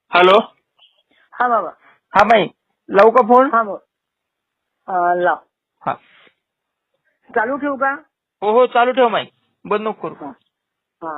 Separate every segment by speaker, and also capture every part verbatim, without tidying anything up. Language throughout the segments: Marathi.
Speaker 1: हॅलो.
Speaker 2: हा बाबा.
Speaker 1: हा माई लावू का फोन?
Speaker 2: हा बोल. अं, लाव.
Speaker 1: हा.
Speaker 2: चालू ठेवू का?
Speaker 1: हो हो चालू ठेव माई, बंद नको करू.
Speaker 2: हा. हा.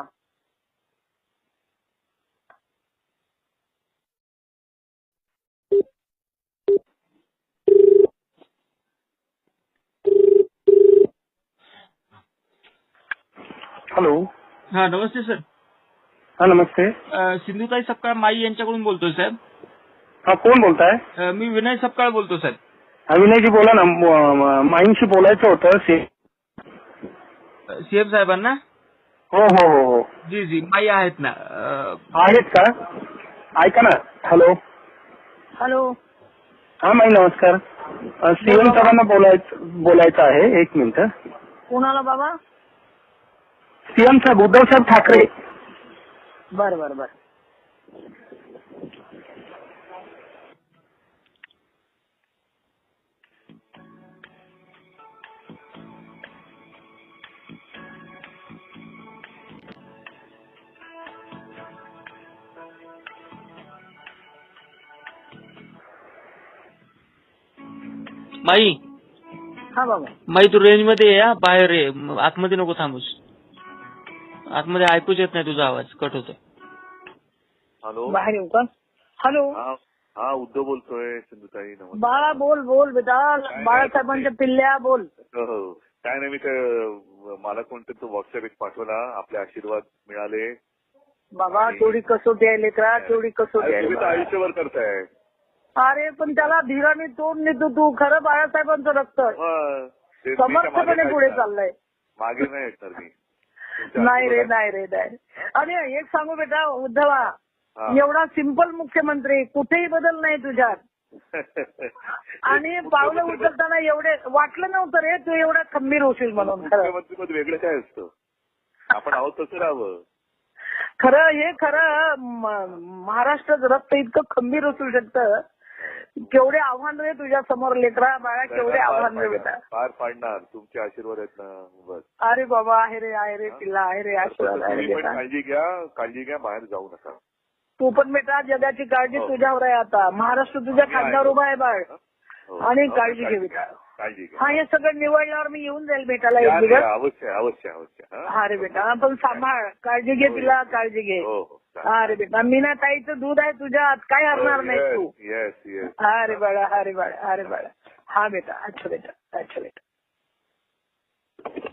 Speaker 3: हॅलो.
Speaker 1: हा नमस्ते सर.
Speaker 3: हा नमस्ते.
Speaker 1: अ, सिंधुताई सपकाळ माई यांच्याकडून बोलतोय साहेब.
Speaker 3: हा कोण बोलताय?
Speaker 1: अ, मी विनय सपकाळ बोलतो साहेब.
Speaker 3: हा विनयजी बोला ना. म- म- माईंशी बोलायचं होतं. से-
Speaker 1: सीएम साहेबांना.
Speaker 3: हो हो हो हो
Speaker 1: जी जी माई आहेत ना. अ,
Speaker 3: आहेत का? ऐका ना. हॅलो.
Speaker 2: हॅलो.
Speaker 3: हा माई नमस्कार. सीएम
Speaker 2: बाबा.
Speaker 3: साहेबांना बोलायचं बोलायचं आहे. एक मिनिट.
Speaker 2: कोणाला बाबा?
Speaker 3: सीएम साहेब उद्धव साहेब ठाकरे.
Speaker 2: बर बर बर.
Speaker 1: माई
Speaker 2: हा बाबा.
Speaker 1: माई तू रेंज मध्ये ये हा, बाहेर ये, म- आतमध्ये नको थांबूस. आतमध्ये ऐकूच येत नाही तुझा आवाज, कट होतोय.
Speaker 4: हॅलो.
Speaker 2: बाहेर येऊ का? हॅलो.
Speaker 4: हा हा उद्धव बोलतोय. सिंधुताई नमस्कार.
Speaker 2: बाळा बोल बोल बेटा. बाळासाहेबांच्या पिल्ल्या बोल.
Speaker 4: हो हो. काय नाही मी ते मला कोणतरी तो व्हॉट्सअप एक पाठवला. आपले आशीर्वाद मिळाले.
Speaker 2: बाबा
Speaker 4: आणि-
Speaker 2: तेवढी कसोटी आहे लेकरा, तेवढी कसोटी
Speaker 4: तुम्ही तर
Speaker 2: आहे.
Speaker 4: आयुष्यभर करताय.
Speaker 2: अरे पण त्याला धीराने तोंड नेतो तू. खरं बाळासाहेबांचं रक्त
Speaker 4: मग ते मी त्या मागे
Speaker 2: समर्थपणे
Speaker 4: नाही
Speaker 2: पुढे
Speaker 4: येणार.
Speaker 2: चाललंय.
Speaker 4: मागे नाही येणार मी. तुमच्या
Speaker 2: नाही रे
Speaker 4: आशीर्वादाने-
Speaker 2: नाही रे नाही. आणि एक सांगू बेटा उद्धवा,
Speaker 4: हा.
Speaker 2: एवढा सिंपल मुख्यमंत्री कुठेही बदल नाही तुझ्यात. आणि पावलं उचलताना एवढे वाटलं नव्हतं रे तू एवढा खंबीर होशील म्हणून. खरं
Speaker 4: मुख्यमंत्री पद वेगळं काय असतं. आपण आहोत तसं राहावं.
Speaker 2: खरं हे खरं म- महाराष्ट्राचं रक्त इतकं खंबीर असू शकतं. केवढे आव्हान रे तुझ्या समोर लेकरा बाळा, केवढे
Speaker 4: पार
Speaker 2: आव्हान रे बेटा.
Speaker 4: पाडणार, पार पाडणार. तुमचे आशीर्वाद आहेत ना. बस.
Speaker 2: अरे बाबा आहे रे आहे रे पिल्ला आहे रे आशीर्वाद आहे रे
Speaker 4: तुम्ही पण
Speaker 2: बेटा.
Speaker 4: काळजी घ्या. काळजी घ्या. बाहेर जाऊ नका.
Speaker 2: तू पण बेटा जगाची काळजी
Speaker 4: हो.
Speaker 2: तुझ्यावर आहे आता. महाराष्ट्र तुझ्या खांद्यावर उभा आहे बाळ.
Speaker 4: हो.
Speaker 2: आणि
Speaker 4: हो,
Speaker 2: काळजी घे बेटा.
Speaker 4: काळजी घ्या.
Speaker 2: हा हे सगळं निवडल्यावर मी येऊन जाईल भेटायला
Speaker 4: या,
Speaker 2: एक
Speaker 4: या,
Speaker 2: दिवस.
Speaker 4: अवश्य अवश्य अवश्य. हा?
Speaker 2: हा रे बेटा पण सांभाळ. काळजी घे तिला काळजी घे.
Speaker 4: हो हो.
Speaker 2: हा रे बेटा मीना ताईचं दूध आहे तुझ्यात काय हरणार नाही तू.
Speaker 4: Yes yes.
Speaker 2: हा रे बाळा हा रे बाळा हा रे बाळा. हा बेटा अच्छा बेटा अच्छा बेटा.